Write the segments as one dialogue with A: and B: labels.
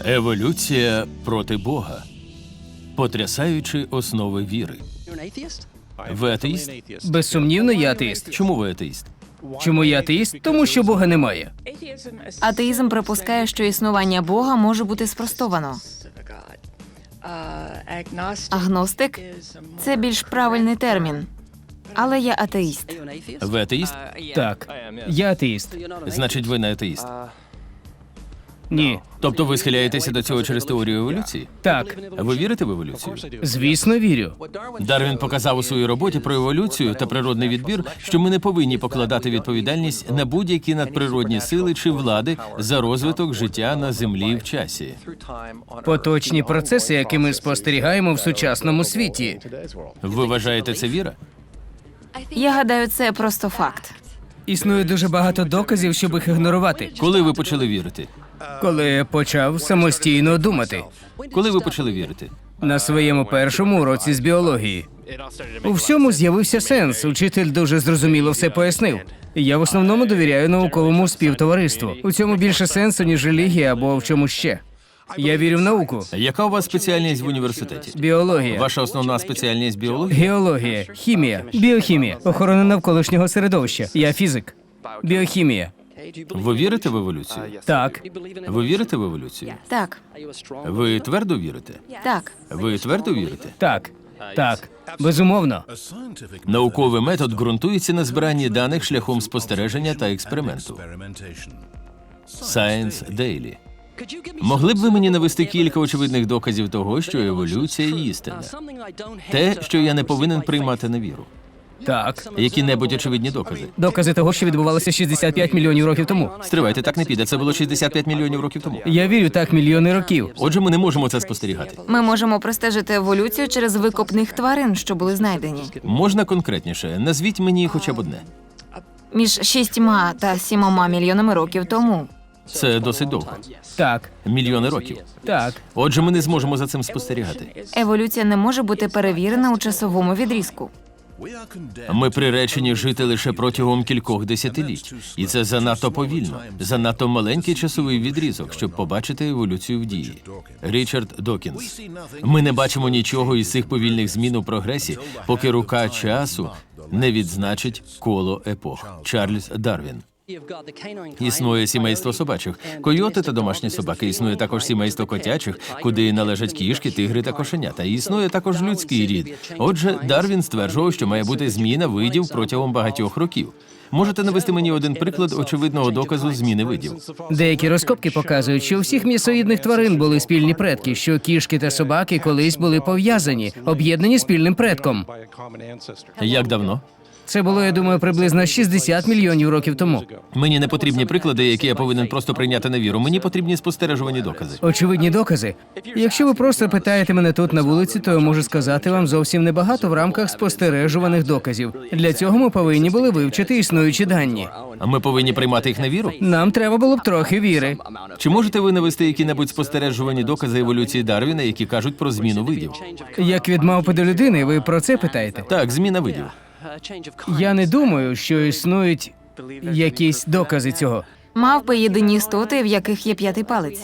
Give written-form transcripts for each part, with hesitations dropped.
A: Еволюція проти Бога. Потрясаючі основи віри. Ви атеїст?
B: Безсумнівно, я атеїст.
A: Чому ви атеїст?
B: Чому я атеїст? Тому що Бога немає.
C: Атеїзм припускає, що існування Бога може бути спростовано. Агностик – це більш правильний термін. Але я атеїст.
A: Ви атеїст?
B: Так, я атеїст.
A: Значить, ви не атеїст.
B: Ні.
A: Тобто ви схиляєтеся до цього через теорію еволюції?
B: Так,
A: Ви вірите в еволюцію?
B: звісно, вірю.
A: Дарвін показав у своїй роботі про еволюцію та природний відбір, що ми не повинні покладати відповідальність на будь-які надприродні сили чи влади за розвиток життя на землі в часі.
B: Поточні процеси, які ми спостерігаємо в сучасному світі.
A: Ви вважаєте це віра?
C: Я гадаю, це просто факт.
B: Існує дуже багато доказів, щоб їх ігнорувати.
A: Коли ви почали вірити?
B: Коли я почав самостійно думати.
A: Коли ви почали вірити?
B: На своєму першому уроці з біології. У всьому з'явився сенс. Учитель дуже зрозуміло все пояснив. Я в основному довіряю науковому співтовариству. У цьому більше сенсу, ніж релігія або в чому ще. Я вірю в науку.
A: Яка у вас спеціальність в університеті?
B: Біологія,
A: Ваша основна спеціальність біологія?
B: геологія, хімія, біохімія, охорона навколишнього середовища. Я фізик. Біохімія.
A: Ви вірите в еволюцію?
B: Так.
A: Ви вірите в еволюцію?
C: Так,
A: Ви твердо вірите?
C: так.
A: Ви твердо вірите?
B: Так. Так. Безумовно.
A: Науковий метод ґрунтується на збиранні даних шляхом спостереження та експерименту. Science Daily. Могли б ви мені навести кілька очевидних доказів того, що еволюція – істина? Те, що я не повинен приймати на віру.
B: Так.
A: Які-небудь очевидні докази.
B: Докази того, що відбувалося 65 мільйонів років тому.
A: Стривайте, так не піде. Це було 65 мільйонів років тому.
B: Я вірю так мільйони років.
A: Отже, ми не можемо це спостерігати.
C: Ми можемо простежити еволюцію через викопних тварин, що були знайдені.
A: Можна конкретніше? Назвіть мені хоча б одне.
C: Між 6 та 7 мільйонами років тому.
A: Це досить довго.
B: Так.
A: Мільйони років.
B: Так.
A: Отже, ми не зможемо за цим спостерігати.
C: Еволюція не може бути перевірена у часовому відрізку.
A: Ми приречені жити лише протягом кількох десятиліть. І це занадто повільно, занадто маленький часовий відрізок, щоб побачити еволюцію в дії. Річард Докінс. Ми не бачимо нічого із цих повільних змін у прогресі, поки рука часу не відзначить коло епох. Чарльз Дарвін. Існує сімейство собачих, койоти та домашні собаки. Існує також сімейство котячих, куди належать кішки, тигри та кошенята. І існує також людський рід. Отже, Дарвін стверджував, що має бути зміна видів протягом багатьох років. Можете навести мені один приклад очевидного доказу зміни видів?
B: Деякі розкопки показують, що у всіх м'ясоїдних тварин були спільні предки, що кішки та собаки колись були пов'язані, об'єднані спільним предком.
A: Як давно?
B: Це було, я думаю, приблизно 60 мільйонів років тому.
A: Мені не потрібні приклади, які я повинен просто прийняти на віру. Мені потрібні спостережувані докази.
B: Очевидні докази. Якщо ви просто питаєте мене тут на вулиці, то я можу сказати вам зовсім небагато в рамках спостережуваних доказів. Для цього ми повинні були вивчити існуючі дані.
A: А ми повинні приймати їх на віру?
B: Нам треба було б трохи віри.
A: Чи можете ви навести які-небудь спостережувані докази еволюції Дарвіна, які кажуть про зміну видів?
B: Як від мавпи до людини, ви про це питаєте?
A: Так, зміна видів.
B: Я не думаю, що існують якісь докази цього.
C: Мавпи – єдині істоти, в яких є 5-й палець.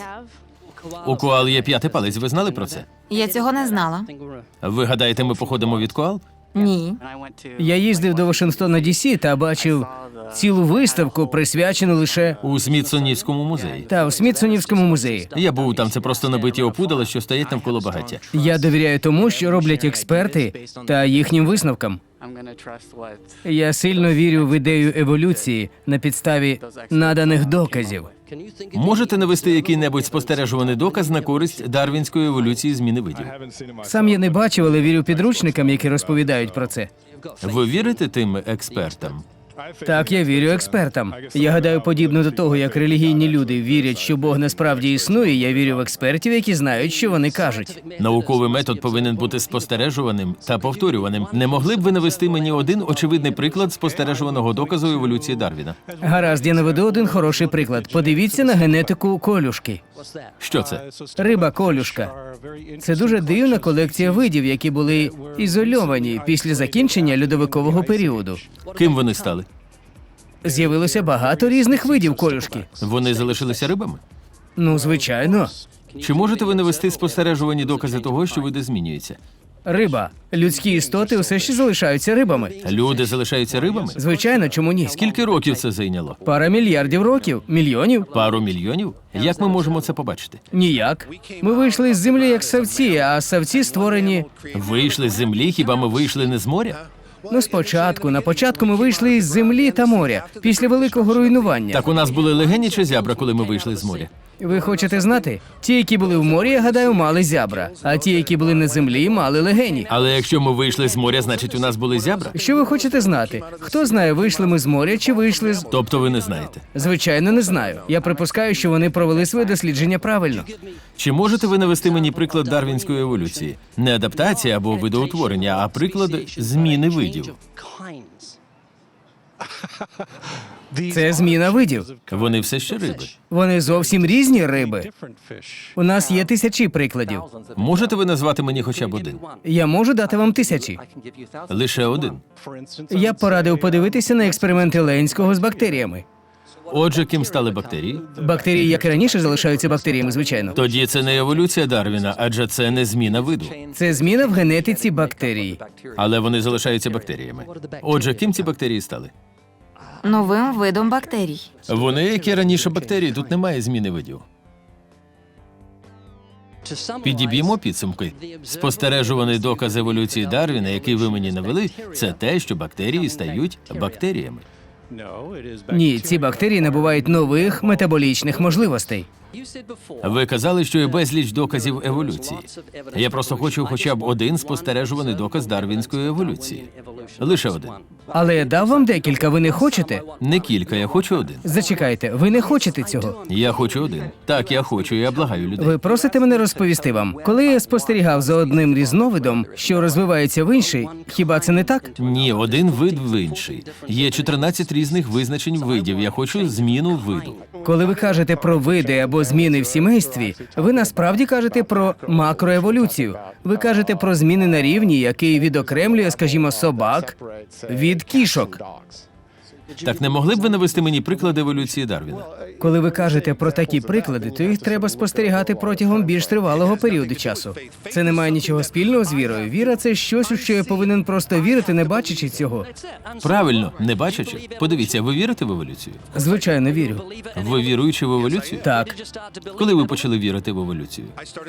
A: У коал є 5-й палець, ви знали про це?
C: Я цього не знала.
A: Ви гадаєте, ми походимо від коал?
C: Ні.
B: Я їздив до Вашингтона Ді-Сі та бачив цілу виставку, присвячену лише
A: У Смітсонівському музеї.
B: та у Смітсонівському музеї.
A: Я був там, це просто набиті опудала, що стоять навколо багаття.
B: Я довіряю тому, що роблять експерти та їхнім висновкам. Я сильно вірю в ідею еволюції на підставі наданих доказів.
A: Можете навести який-небудь спостережуваний доказ на користь дарвінської еволюції зміни видів?
B: Сам я не бачив, але вірю підручникам, які розповідають про це.
A: Ви вірите тим експертам?
B: Так, я вірю експертам. Я гадаю, подібно до того, як релігійні люди вірять, що Бог насправді існує, я вірю в експертів, які знають, що вони кажуть.
A: Науковий метод повинен бути спостережуваним та повторюваним. Не могли б ви навести мені один очевидний приклад спостережуваного доказу еволюції Дарвіна?
B: Гаразд, я наведу один хороший приклад. Подивіться на генетику колюшки.
A: Що це?
B: Риба колюшка. Це дуже дивна колекція видів, які були ізольовані після закінчення льодовикового періоду.
A: Ким вони стали?
B: З'явилося багато різних видів колюшки.
A: Вони залишилися рибами?
B: Ну, звичайно.
A: Чи можете ви навести спостережувані докази того, що види змінюються?
B: Риба. Людські істоти усе ще залишаються рибами.
A: Люди залишаються рибами?
B: Звичайно, чому ні?
A: Скільки років це зайняло?
B: Пара мільярдів років, мільйонів?
A: Пару мільйонів? Як ми можемо це побачити?
B: Ніяк. Ми вийшли з землі як савці, а савці створені.
A: Вийшли з землі, хіба ми вийшли не з моря?
B: Ну, спочатку, на початку ми вийшли із землі та моря, після великого руйнування.
A: Так у нас були легені чи зябра, коли ми вийшли з моря?
B: Ви хочете знати? Ті, які були в морі, я гадаю, мали зябра, а ті, які були на землі, мали легені.
A: Але якщо ми вийшли з моря, значить у нас були зябра?
B: Що ви хочете знати? Хто знає, вийшли ми з моря чи вийшли з...
A: Тобто ви не знаєте.
B: Звичайно, не знаю. Я припускаю, що вони провели своє дослідження правильно.
A: Чи можете ви навести мені приклад дарвінської еволюції? Не адаптація або видоутворення, а приклад зміни видів.
B: Це зміна видів.
A: Вони все ще риби.
B: Вони зовсім різні риби. У нас є тисячі прикладів.
A: Можете ви назвати мені хоча б один?
B: Я можу дати вам тисячі.
A: Лише один.
B: Я б порадив подивитися на експерименти Ленського з бактеріями.
A: Отже, ким стали бактерії?
B: Бактерії, як і раніше, залишаються бактеріями, звичайно.
A: Тоді це не еволюція Дарвіна, адже це не зміна виду.
B: Це зміна в генетиці бактерій.
A: Але вони залишаються бактеріями. Отже, ким ці бактерії стали?
C: Новим видом бактерій.
A: Вони, як і раніше бактерії, тут немає зміни видів. Підіб'ємо підсумки. Спостережуваний доказ еволюції Дарвіна, який ви мені навели, це те, що бактерії стають бактеріями.
B: Ні, ці бактерії набувають нових метаболічних можливостей.
A: Ви казали, що є безліч доказів еволюції. Я просто хочу хоча б один спостережуваний доказ дарвінської еволюції. Лише один.
B: Але я дав вам декілька, ви не хочете?
A: Не кілька, я хочу один.
B: Зачекайте, ви не хочете цього.
A: Я хочу один. Так, я хочу, я благаю людей.
B: Ви просите мене розповісти вам. Коли я спостерігав за одним різновидом, що розвивається в інший, хіба це не так?
A: Ні, один вид в інший. Є 14 різних визначень видів. Я хочу зміну виду.
B: Коли ви кажете про види або зміни в сімействі, ви насправді кажете про макроеволюцію. Ви кажете про зміни на рівні, який відокремлює, скажімо, собак від кішок.
A: Так не могли б ви навести мені приклад еволюції Дарвіна?
B: Коли ви кажете про такі приклади, то їх треба спостерігати протягом більш тривалого періоду часу. Це не має нічого спільного з вірою. Віра – це щось, у що я повинен просто вірити, не бачачи цього.
A: Правильно, не бачачи. Подивіться, ви вірите в еволюцію?
B: Звичайно, вірю.
A: Ви віруючи в еволюцію?
B: Так.
A: Коли ви почали вірити в еволюцію?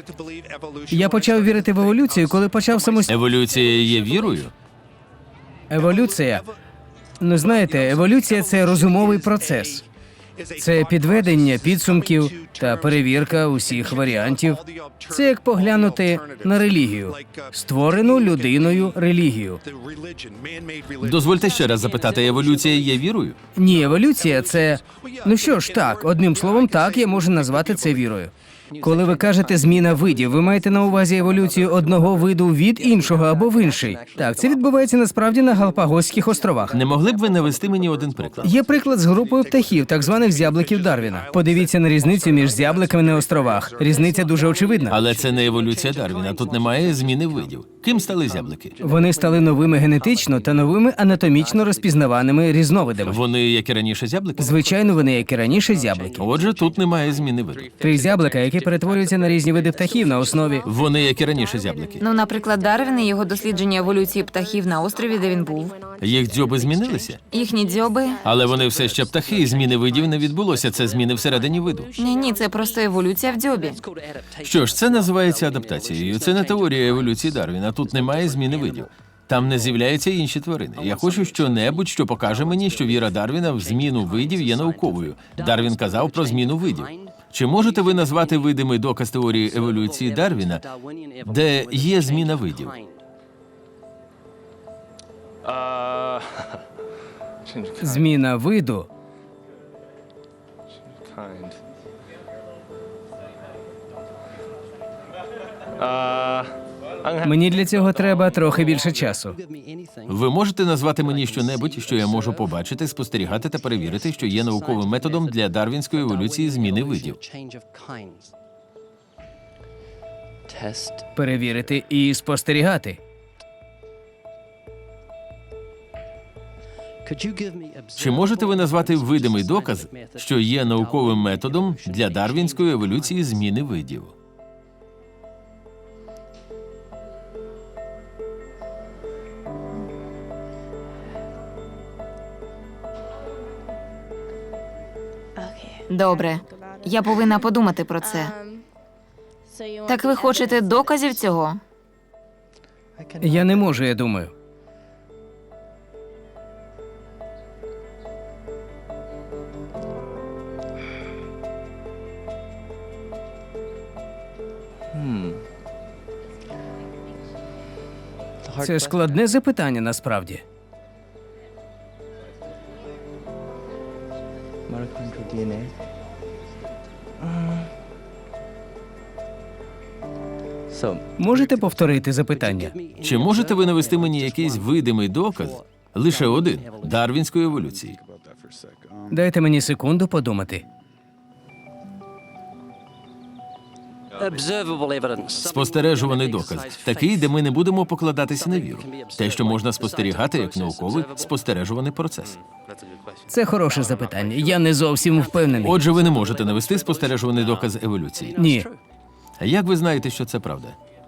B: Я почав вірити в еволюцію, коли почав самостійно.
A: Еволюція є вірою?
B: Еволюція. Ну, знаєте, еволюція – це розумовий процес. Це підведення підсумків та перевірка усіх варіантів. Це як поглянути на релігію, створену людиною релігію.
A: Дозвольте ще раз запитати, еволюція є вірою?
B: Ні, еволюція – це... Ну що ж, так, одним словом, так, я можу назвати це вірою. Коли ви кажете «зміна видів», ви маєте на увазі еволюцію одного виду від іншого або в інший. Так, це відбувається насправді на Галапагоських островах.
A: Не могли б ви навести мені один приклад?
B: Є приклад з групою птахів, так званих зябликів Дарвіна. Подивіться на різницю між зябликами на островах. Різниця дуже очевидна.
A: Але це не еволюція Дарвіна, тут немає зміни видів. Ким стали зяблики?
B: Вони стали новими генетично та новими анатомічно розпізнаваними різновидами.
A: Вони, як і раніше, зяблики?
B: Звичайно, вони, як і раніше, зяблики.
A: Отже, тут немає зміни виду.
B: 3 зяблика, які перетворюються на різні види птахів на основі.
A: Вони, як і раніше, зяблики.
C: Ну, наприклад, Дарвін і його дослідження еволюції птахів на острові, де він був.
A: Їх дзьоби змінилися?
C: Їхні дзьоби.
A: Але вони все ще птахи, і зміни видів не відбулося. Це зміни всередині виду.
C: Ні, це просто еволюція в дзьобі.
A: Що ж, це називається адаптацією. Це не теорія еволюції Дарвіна. Тут немає зміни видів. Там не з'являються інші тварини. Я хочу що-небудь, що покаже мені, що віра Дарвіна в зміну видів є науковою. Дарвін казав про зміну видів. Чи можете ви назвати видимий доказ теорії еволюції Дарвіна, де є зміна видів?
B: Зміна виду. Мені для цього треба трохи більше часу.
A: Ви можете назвати мені що-небудь, що я можу побачити, спостерігати та перевірити, що є науковим методом для дарвінської еволюції зміни видів?
B: Перевірити і спостерігати.
A: Чи можете ви назвати видимий доказ, що є науковим методом для дарвінської еволюції зміни видів?
C: Добре, я повинна подумати про це. Так ви хочете доказів цього?
B: Я не можу, я думаю. Це складне запитання насправді.
D: Mitochondrial DNA. So,
B: Можете повторити запитання?
A: Чи можете ви навести мені якийсь видимий доказ, лише один, дарвінської еволюції?
B: Дайте мені секунду подумати.
A: Спостережуваний доказ. Такий, де ми не будемо покладатися на віру. Те, що можна спостерігати як науковий спостережуваний процес.
B: Це хороше запитання. Я не зовсім впевнений.
A: Отже, ви не можете навести спостережуваний доказ еволюції.
B: Ні.
A: А як ви знаєте, що це правда?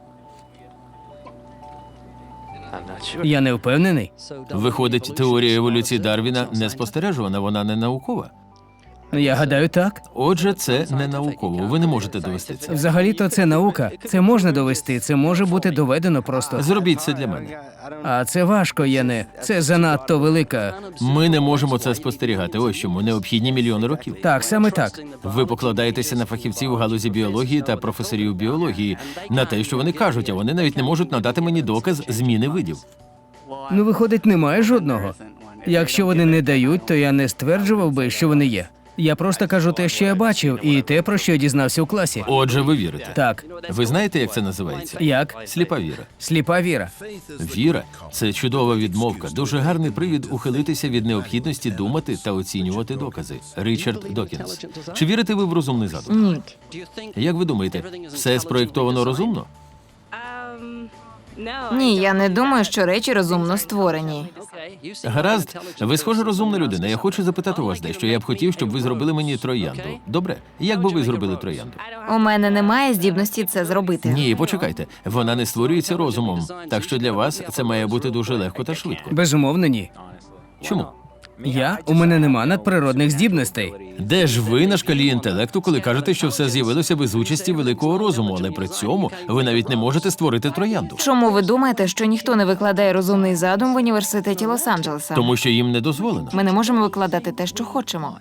B: Я не впевнений.
A: Виходить, теорія еволюції Дарвіна не спостережувана, вона не наукова.
B: Я гадаю, так.
A: Отже, це не науково. Ви не можете довести це.
B: Взагалі-то це наука. Це можна довести, це може бути доведено просто.
A: Зробіть це для мене.
B: А це важко, Яне. Це занадто велика.
A: Ми не можемо це спостерігати. Ось чому необхідні мільйони років.
B: Так, саме так.
A: Ви покладаєтеся на фахівців у галузі біології та професорів біології, на те, що вони кажуть, а вони навіть не можуть надати мені доказ зміни видів.
B: Ну, виходить, немає жодного. Якщо вони не дають, то я не стверджував би, що вони є. Я просто кажу те, що я бачив, і те, про що я дізнався у класі.
A: Отже, ви вірите.
B: Так.
A: Ви знаєте, як це називається?
B: Як?
A: Сліпа віра.
B: Сліпа віра.
A: Віра це чудова відмовка, дуже гарний привід ухилитися від необхідності думати та оцінювати докази. Річард Докінс. Чи вірите ви в розумний задум?
C: Ні.
A: Як ви думаєте, все спроєктовано розумно?
C: Ні, я не думаю, що речі розумно створені.
A: Гаразд, ви схожа розумна людина. Я хочу запитати у вас дещо. Я б хотів, щоб ви зробили мені троянду. Добре? Як би ви зробили троянду?
C: У мене немає здібності це зробити.
A: Ні, почекайте. Вона не створюється розумом. Так що для вас це має бути дуже легко та швидко.
B: Безумовно, ні.
A: Чому?
B: У мене нема надприродних здібностей.
A: Де ж ви на шкалі інтелекту, коли кажете, що все з'явилося без участі великого розуму, але при цьому ви навіть не можете створити троянду?
C: Чому ви думаєте, що ніхто не викладає розумний задум в університеті Лос-Анджелеса?
A: Тому що їм не дозволено.
C: Ми не можемо викладати те, що хочемо.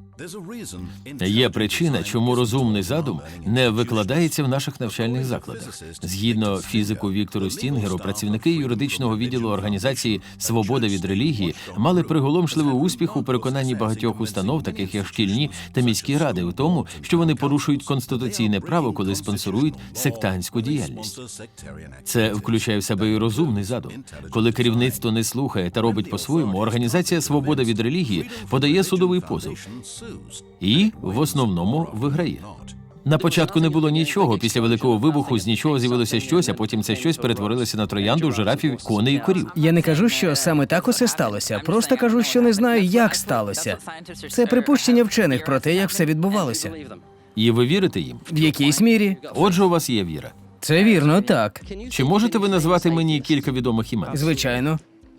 A: Є причина, чому розумний задум не викладається в наших навчальних закладах. Згідно фізику Віктору Стінгеру, працівники юридичного відділу організації «Свобода від релігії» мали приголомшливий успіх у переконанні багатьох установ, таких як шкільні та міські ради, у тому, що вони порушують конституційне право, коли спонсорують сектантську діяльність. Це включає в себе і розумний задум. Коли керівництво не слухає та робить по-своєму, організація «Свобода від релігії» подає судовий позов. І, в основному, виграє. На початку не було нічого, після Великого вибуху з нічого з'явилося щось, а потім це щось перетворилося на троянду, жирафів, коней і корів.
B: Я не кажу, що саме так усе сталося. Просто кажу, що не знаю, як сталося. Це припущення вчених про те, як все відбувалося.
A: І ви вірите їм?
B: В якійсь мірі.
A: Отже, у вас є віра.
B: Це вірно, так.
A: Чи можете ви назвати мені кілька відомих імен?
B: Звичайно.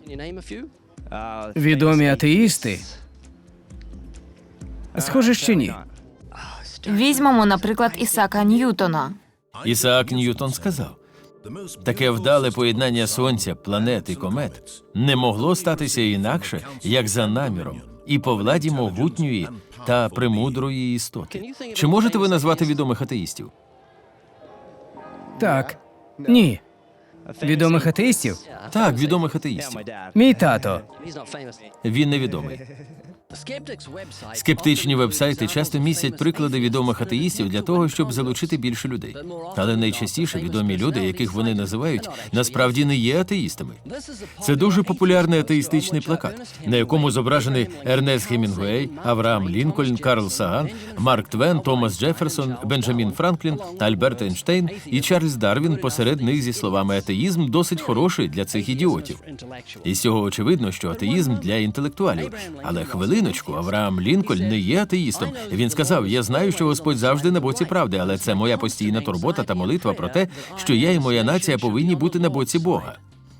B: Відомі атеїсти. Схоже, що ні.
C: Візьмемо, наприклад, Ісаака Ньютона.
A: Ісаак Ньютон сказав, таке вдале поєднання сонця, планет і комет не могло статися інакше, як за наміром, і по владі могутньої та премудрої істоти. Чи можете ви назвати відомих атеїстів?
B: Так. Ні. Відомих атеїстів?
A: Так, відомих атеїстів.
B: Мій тато.
A: Він невідомий. Скептичні вебсайти часто містять приклади відомих атеїстів для того, щоб залучити більше людей. Але найчастіше відомі люди, яких вони називають, насправді не є атеїстами. Це дуже популярний атеїстичний плакат, на якому зображений Ернест Гемінгуей, Авраам Лінкольн, Карл Саган, Марк Твен, Томас Джефферсон, Бенджамін Франклін, Альберт Ейнштейн і Чарльз Дарвін посеред них зі словами «атеїзм досить хороший для цих ідіотів». І з цього очевидно, що атеїзм для інтелектуалів. Але хвилиночку, Авраам Лінкольн не є атеїстом. Він сказав, я знаю, що Господь завжди на боці правди, але це моя постійна турбота та молитва про те, що я і моя нація повинні бути на боці Бога.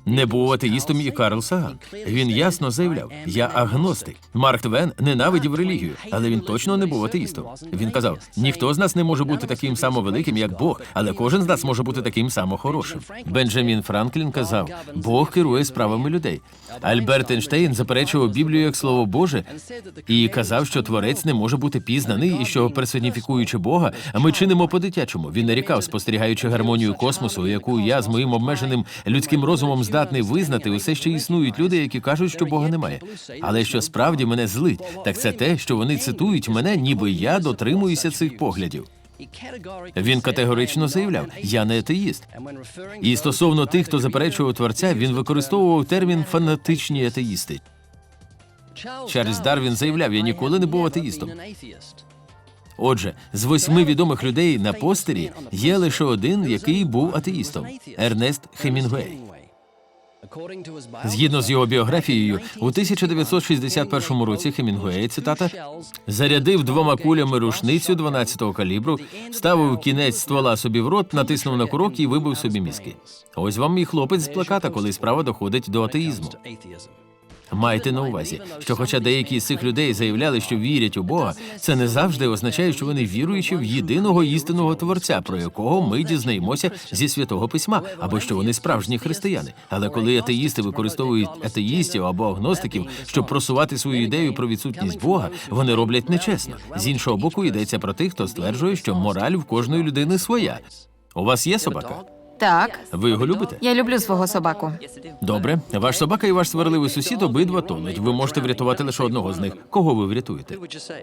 A: Не був атеїстом і Карл Саган. Він ясно заявляв: «Я агностик». Марк Твен ненавидів релігію, але він точно не був атеїстом. Він казав: «Ніхто з нас не може бути таким само великим, як Бог, але кожен з нас може бути таким само хорошим». Бенджамін Франклін казав: «Бог керує справами людей». Альберт Ейнштейн заперечував Біблію як Слово Боже і казав, що Творець не може бути пізнаний і що, персоніфікуючи Бога, ми чинимо по-дитячому. Він нарікав, спостерігаючи гармонію космосу, яку я з моїм обмеженим людським розумом здатний визнати, усе ще існують люди, які кажуть, що Бога немає. Але що справді мене злить, так це те, що вони цитують мене, ніби я дотримуюся цих поглядів. Він категорично заявляв: «Я не атеїст». І стосовно тих, хто заперечував Творця, він використовував термін «фанатичні атеїсти». Чарльз Дарвін заявляв: «Я ніколи не був атеїстом». Отже, з 8 відомих людей на постері є лише один, який був атеїстом – Ернест Хемінгуей. Згідно з його біографією, у 1961 році Хемінгуей, цитата, «зарядив 2 кулями рушницю 12-го калібру, вставив кінець ствола собі в рот, натиснув на курок і вибив собі мізки». Ось вам і хлопець з плаката, коли справа доходить до атеїзму. Майте на увазі, що хоча деякі з цих людей заявляли, що вірять у Бога, це не завжди означає, що вони віруючі в єдиного істинного Творця, про якого ми дізнаємося зі Святого Письма, або що вони справжні християни. Але коли атеїсти використовують атеїстів або агностиків, щоб просувати свою ідею про відсутність Бога, вони роблять нечесно. З іншого боку, йдеться про тих, хто стверджує, що мораль в кожної людини своя. У вас є собака?
C: Так,
A: Ви його любите?
C: я люблю свого собаку.
A: Добре. Ваш собака і ваш сварливий сусід обидва тонуть. Ви можете врятувати лише одного з них. Кого ви врятуєте?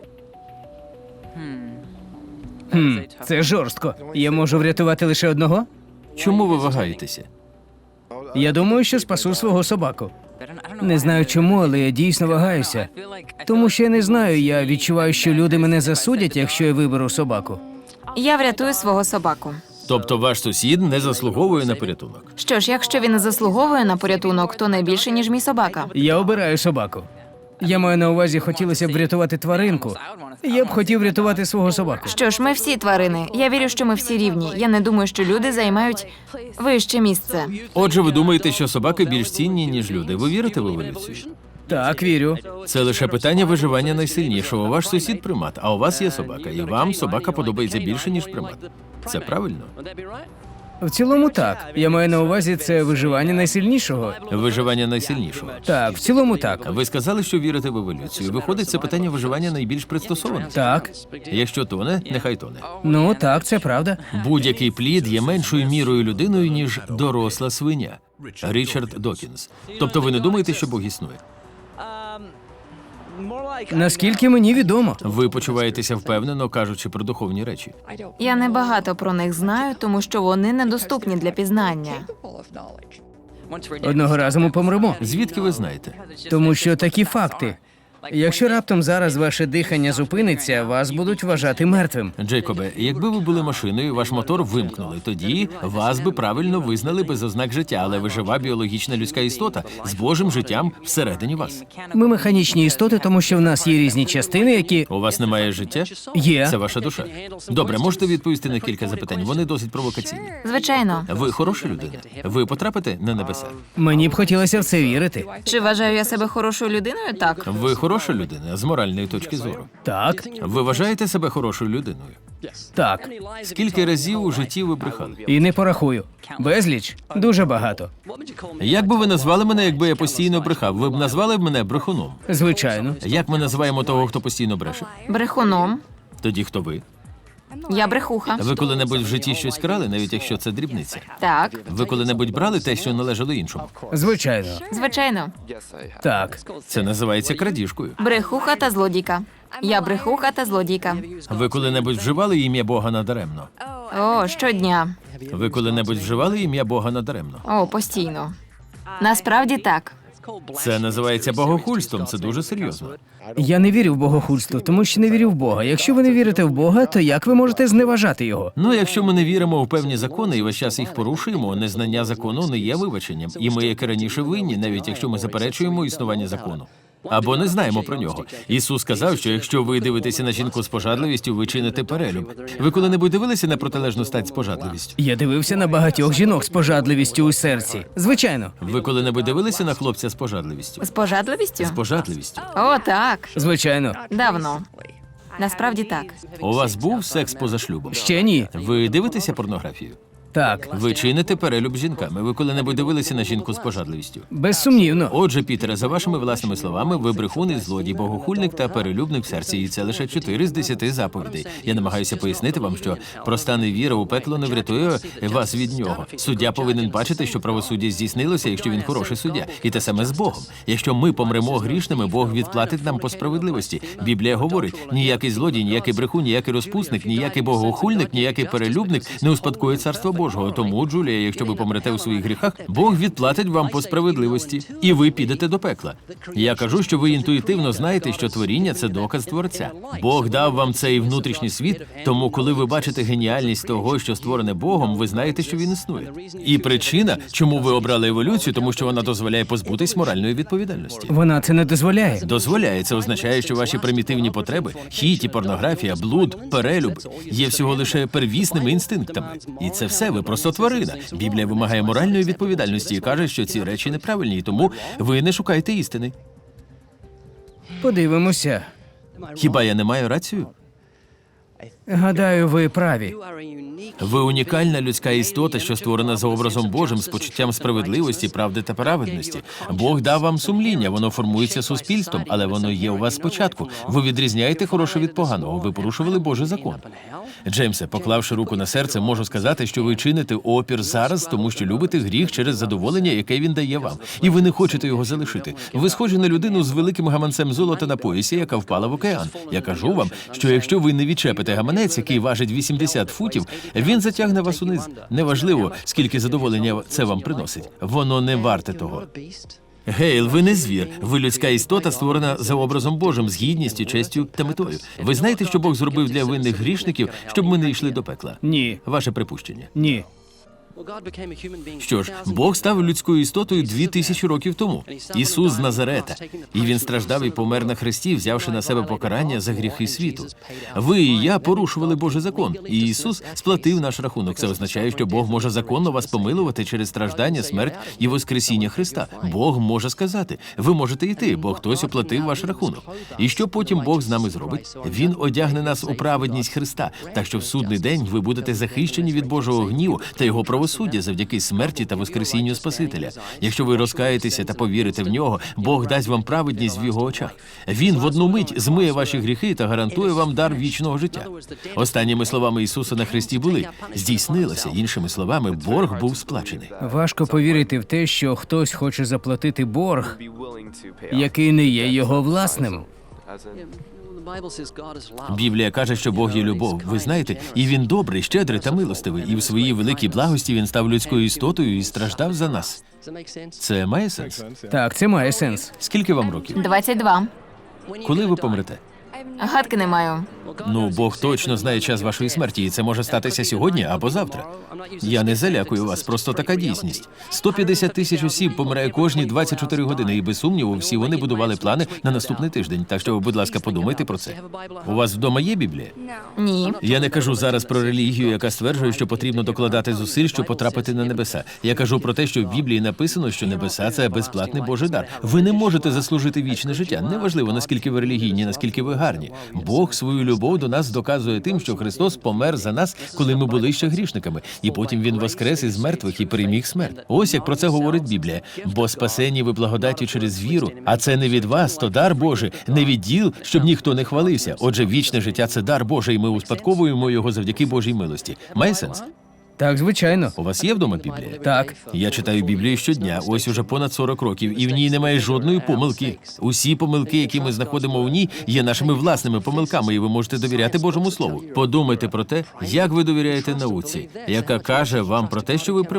B: Це жорстко. Я можу врятувати лише одного?
A: Чому ви вагаєтеся?
B: Я думаю, що спасу свого собаку. Не знаю чому, але я дійсно вагаюся. Тому що я не знаю, я відчуваю, що люди мене засудять, якщо я виберу собаку.
C: Я врятую свого собаку.
A: Тобто ваш сусід не заслуговує на порятунок?
C: Що ж, якщо він не заслуговує на порятунок, то не більше, ніж мій собака.
B: Я обираю собаку. Я маю на увазі, хотілося б врятувати тваринку. Я б хотів врятувати свого собаку.
C: Що ж, ми всі тварини. Я вірю, що ми всі рівні. Я не думаю, що люди займають вище місце.
A: Отже, ви думаєте, що собаки більш цінні, ніж люди. Ви вірите в еволюцію?
B: Так, вірю.
A: Це лише питання виживання найсильнішого. Ваш сусід примат, а у вас є собака, і вам собака подобається більше, ніж примат. Це правильно?
B: В цілому так. Я маю на увазі це виживання найсильнішого.
A: Виживання найсильнішого.
B: Так, в цілому так.
A: Ви сказали, що вірите в еволюцію. Виходить, це питання виживання найбільш пристосоване.
B: Так.
A: Якщо тоне, нехай тоне.
B: Ну так, це правда.
A: Будь-який плід є меншою мірою людиною, ніж доросла свиня. Річард Докінс. Тобто ви не думаєте, що Бог існує?
B: Наскільки мені відомо.
A: Ви почуваєтеся впевнено, кажучи про духовні речі.
C: Я небагато про них знаю, тому що вони недоступні для пізнання.
B: Одного разу ми помремо.
A: Звідки ви знаєте?
B: Тому що такі факти. Якщо раптом зараз ваше дихання зупиниться, вас будуть вважати мертвим.
A: Джейкобе, якби ви були машиною, ваш мотор вимкнули, тоді вас би правильно визнали без ознак життя, але ви жива біологічна людська істота з Божим життям всередині вас.
B: Ми механічні істоти, тому що в нас є різні частини, які
A: У вас немає життя?
B: є.
A: Це ваша душа. Добре, можете відповісти на кілька запитань. Вони досить провокаційні.
C: Звичайно.
A: Ви хороша людина. Ви потрапите на небеса.
B: Мені б хотілося в це вірити.
C: Чи вважаю я себе хорошою людиною? Так.
A: Ви хороша людина з моральної точки зору.
B: Так,
A: Ви вважаєте себе хорошою людиною?
B: так.
A: Скільки разів у житті ви брехали?
B: І не порахую. Безліч. Дуже багато.
A: Як би ви назвали мене, якби я постійно брехав? Ви б назвали мене брехуном.
B: Звичайно.
A: Як ми називаємо того, хто постійно бреше?
C: Брехуном.
A: Тоді хто ви?
C: Я брехуха.
A: Ви коли-небудь в житті щось крали, навіть якщо це дрібниця?
C: Так.
A: Ви коли-небудь брали те, що належало іншому?
B: Звичайно.
C: Звичайно.
B: Так.
A: Це називається крадіжкою.
C: Брехуха та злодійка. Я брехуха та злодійка.
A: Ви коли-небудь вживали ім'я Бога надаремно?
C: О, щодня.
A: Ви коли-небудь вживали ім'я Бога надаремно?
C: О, постійно. Насправді так.
A: Це називається богохульством, це дуже серйозно.
B: Я не вірю в богохульство, тому що не вірю в Бога. Якщо ви не вірите в Бога, то як ви можете зневажати його?
A: Ну, якщо ми не віримо в певні закони і весь час їх порушуємо, незнання закону не є вибаченням. І ми, як і раніше, винні, навіть якщо ми заперечуємо існування закону. Або не знаємо про нього. Ісус сказав, що якщо ви дивитеся на жінку з пожадливістю, ви чините перелюб. Ви коли-небудь дивилися на протилежну стать з пожадливістю?
B: Я дивився на багатьох жінок з пожадливістю у серці. Звичайно.
A: Ви коли-небудь дивилися на хлопця з пожадливістю?
C: З пожадливістю?
A: З пожадливістю.
C: О, так.
B: Звичайно.
C: Давно. Насправді так.
A: У вас був секс поза шлюбом?
B: Ще ні.
A: Ви дивитеся порнографію?
B: Так.
A: Ви чините перелюб з жінками. Ви коли-небудь дивилися на жінку з пожадливістю?
B: Безсумнівно.
A: Отже, Пітере, за вашими власними словами, ви брехун і злодій, богохульник та перелюбник в серці, і це лише 4 з 10 заповідей. Я намагаюся пояснити вам, що проста невіра у пекло не врятує вас від нього. Суддя повинен бачити, що правосуддя здійснилося, якщо він хороший суддя. І те саме з Богом. Якщо ми помремо грішними, Бог відплатить нам по справедливості. Біблія говорить: ніякий злодій, ніякий брехун, ніякий розпусник, ніякий богохульник, ніякий перелюбник не успадкує царство Божого. Тому, Джулія, якщо ви помрете у своїх гріхах, Бог відплатить вам по справедливості, і ви підете до пекла. Я кажу, що ви інтуїтивно знаєте, що творіння – це доказ Творця. Бог дав вам цей внутрішній світ, тому коли ви бачите геніальність того, що створене Богом, ви знаєте, що він існує. І причина, чому ви обрали еволюцію, тому що вона дозволяє позбутись моральної відповідальності.
B: Вона це не дозволяє.
A: Дозволяє. Це означає, що ваші примітивні потреби – хіті, порнографія, блуд, перелюб – є всього лише первісними інстинктами. І це все, ви просто тварина. Біблія вимагає моральної відповідальності і каже, що ці речі неправильні, і тому ви не шукаєте істини.
B: Подивимося.
A: Хіба я не маю рацію?
B: Гадаю, ви праві.
A: Ви унікальна людська істота, що створена за образом Божим, з почуттям справедливості, правди та праведності. Бог дав вам сумління, воно формується суспільством, але воно є у вас спочатку. Ви відрізняєте хороше від поганого, ви порушували Божий закон. Джеймсе, поклавши руку на серце, можу сказати, що ви чините опір зараз, тому що любите гріх через задоволення, яке він дає вам. І ви не хочете його залишити. Ви схожі на людину з великим гаманцем золота на поясі, яка впала в океан. Я кажу вам, що якщо ви не відчепите гаманець, який важить 80 футів, він затягне вас униз. Неважливо, скільки задоволення це вам приносить. Воно не варте того. Гейл, ви не звір. Ви людська істота, створена за образом Божим, з гідністю, честю та метою. Ви знаєте, що Бог зробив для винних грішників, щоб ми не йшли до пекла?
B: Ні.
A: Ваше припущення.
B: Ні.
A: Що ж, Бог став людською істотою 2000 років тому. Ісус з Назарета. І Він страждав і помер на хресті, взявши на себе покарання за гріхи світу. Ви і я порушували Божий закон, і Ісус сплатив наш рахунок. Це означає, що Бог може законно вас помилувати через страждання, смерть і воскресіння Христа. Бог може сказати: ви можете йти, бо хтось оплатив ваш рахунок. І що потім Бог з нами зробить? Він одягне нас у праведність Христа, так що в судний день ви будете захищені від Божого гніву та Його правосуддя завдяки смерті та воскресінню Спасителя. Якщо ви розкаєтеся та повірите в нього, Бог дасть вам праведність в його очах. Він в одну мить змиє ваші гріхи та гарантує вам дар вічного життя. Останніми словами Ісуса на хресті були: здійснилося. Іншими словами, борг був сплачений.
B: Важко повірити в те, що хтось хоче заплатити борг, який не є його власним.
A: Біблія каже, що Бог є любов. Ви знаєте, і Він добрий, щедрий та милостивий. І в своїй великій благості Він став людською істотою і страждав за нас. Це має сенс?
B: Так, це має сенс.
A: Скільки вам років?
C: 22.
A: Коли ви помрете?
C: Гадки не маю.
A: Ну, Бог точно знає час вашої смерті, і це може статися сьогодні або завтра. Я не залякую вас, просто така дійсність. 150 тисяч осіб помирає кожні 24 години, і без сумніву всі вони будували плани на наступний тиждень. Так що, будь ласка, подумайте про це. У вас вдома є Біблія?
C: Ні.
A: Я не кажу зараз про релігію, яка стверджує, що потрібно докладати зусиль, щоб потрапити на небеса. Я кажу про те, що в Біблії написано, що небеса – це безплатний Божий дар. Ви не можете заслужити вічне життя. Неважливо, наскільки ви релігійні, наскільки ви гарні. Бог свою любов до нас доказує тим, що Христос помер за нас, коли ми були ще грішниками. І потім Він воскрес із мертвих і переміг смерть. Ось як про це говорить Біблія. Бо спасені ви благодаттю через віру, а це не від вас, то дар Божий, не від діл, щоб ніхто не хвалився. Отже, вічне життя – це дар Божий, і ми успадковуємо його завдяки Божій милості. Має сенс?
B: Так, звичайно.
A: У вас є вдома Біблія?
B: Так.
A: Я читаю Біблію щодня, ось уже понад 40 років, і в ній немає жодної помилки. Усі помилки, які ми знаходимо в ній, є нашими власними помилками, і ви можете довіряти Божому Слову. Подумайте про те, як ви довіряєте науці, яка каже вам про те, що ви примат.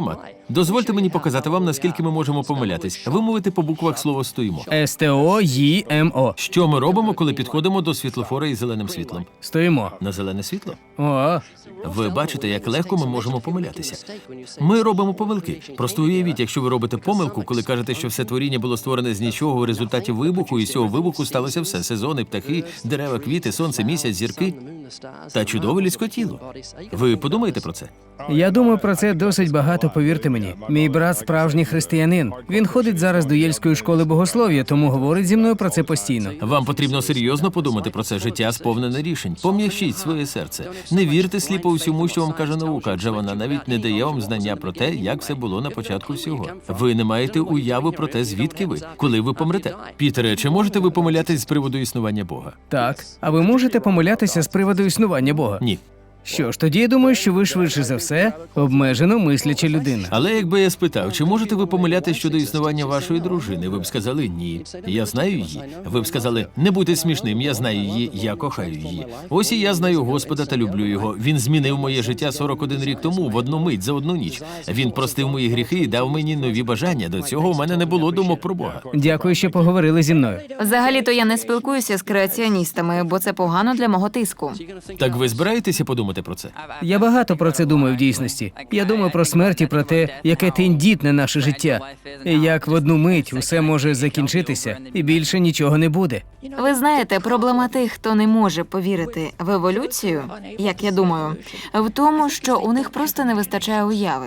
A: Дозвольте мені показати вам, наскільки ми можемо помилятись. Вимовити по буквах слово «стоїмо».
B: Стоїмо.
A: Що ми робимо, коли підходимо до світлофора із зеленим світлом?
B: Стоїмо.
A: На зелене світло?
B: О,
A: Ви бачите, як легко ми можемо помилятися. Ми робимо помилки. Просто уявіть, якщо ви робите помилку, коли кажете, що все творіння було створене з нічого у результаті вибуху, і з цього вибуху сталося все: сезони, птахи, дерева, квіти, сонце, місяць, зірки та чудове людське тіло. Ви подумаєте про це?
B: я думаю про це досить багато, повірте мені. Мій брат справжній християнин. Він ходить зараз до Єльської школи богослов'я, тому говорить зі мною про це постійно.
A: Вам потрібно серйозно подумати про це. Життя сповнене рішень. Пом'якшіть своє серце. Не вірте сліпо усьому, що вам каже наука, адже вона навіть не дає вам знання про те, як все було на початку всього. Ви не маєте уяви про те, звідки ви, коли ви помрете. Пітере, чи можете ви помилятись з приводу існування Бога?
B: Так, а ви можете помилятися з приводу існування Бога?
A: Ні.
B: Що ж, тоді я думаю, що ви швидше за все обмежено мисляча людина.
A: Але якби я спитав, чи можете ви помилятись щодо існування вашої дружини, ви б сказали ні. Я знаю її. Ви б сказали, не будьте смішним, я знаю її, я кохаю її. Ось і я знаю Господа та люблю його. Він змінив моє життя 41 рік тому, в одну мить, за одну ніч. Він простив мої гріхи і дав мені нові бажання. До цього у мене не було думок про Бога.
B: Дякую, що поговорили зі мною.
C: Взагалі-то я не спілкуюся з креаціоністами, бо це погано для мого тиску.
A: Так ви збираєтеся подумати про це?
B: Я багато про це думаю в дійсності. Я думаю про смерть і про те, яке тендітне наше життя. І як в одну мить усе може закінчитися, і більше нічого не буде.
C: Ви знаєте, проблема тих, хто не може повірити в еволюцію, як я думаю, в тому, що у них просто не вистачає уяви.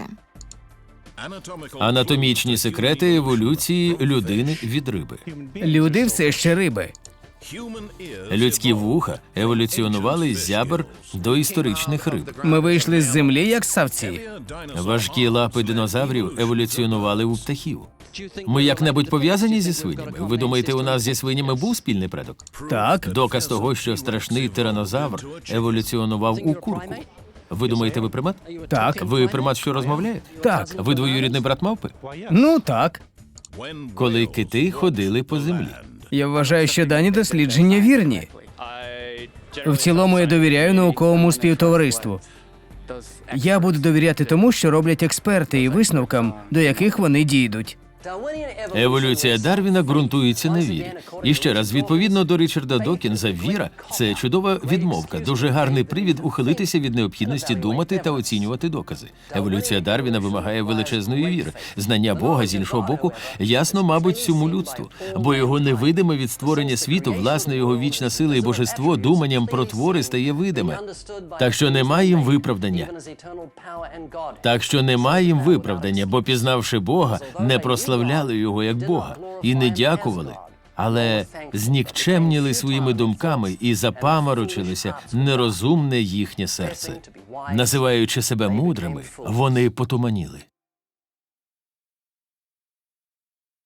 A: Анатомічні секрети еволюції людини від риби.
B: Люди все ще риби.
A: Людські вуха еволюціонували з зябр до історичних риб.
B: Ми вийшли з землі, як савці.
A: Важкі лапи динозаврів еволюціонували у птахів. Ми як-небудь пов'язані зі свинями? Ви думаєте, у нас зі свинями був спільний предок?
B: Так,
A: Доказ того, що страшний тиранозавр еволюціонував у курку. Ви думаєте, ви примат?
B: так,
A: Ви примат, що розмовляє?
B: так.
A: Ви двоюрідний брат мавпи?
B: Ну так.
A: Коли кити ходили по землі.
B: Я вважаю, що дані дослідження вірні. В цілому я довіряю науковому співтовариству. Я буду довіряти тому, що роблять експерти, і висновкам, до яких вони дійдуть.
A: Еволюція Дарвіна ґрунтується на вірі. І ще раз, відповідно до Річарда Докінза, віра – це чудова відмовка, дуже гарний привід ухилитися від необхідності думати та оцінювати докази. Еволюція Дарвіна вимагає величезної віри. Знання Бога, з іншого боку, ясно, мабуть, всьому людству. Бо його невидиме від створення світу, власне, його вічна сила і божество, думанням про твори стає видиме. Так що немає їм виправдання. Бо пізнавши Бога, не прославляли його як Бога і не дякували, але знікчемніли своїми думками і запаморочилися нерозумне їхнє серце. Називаючи себе мудрими, вони потуманіли.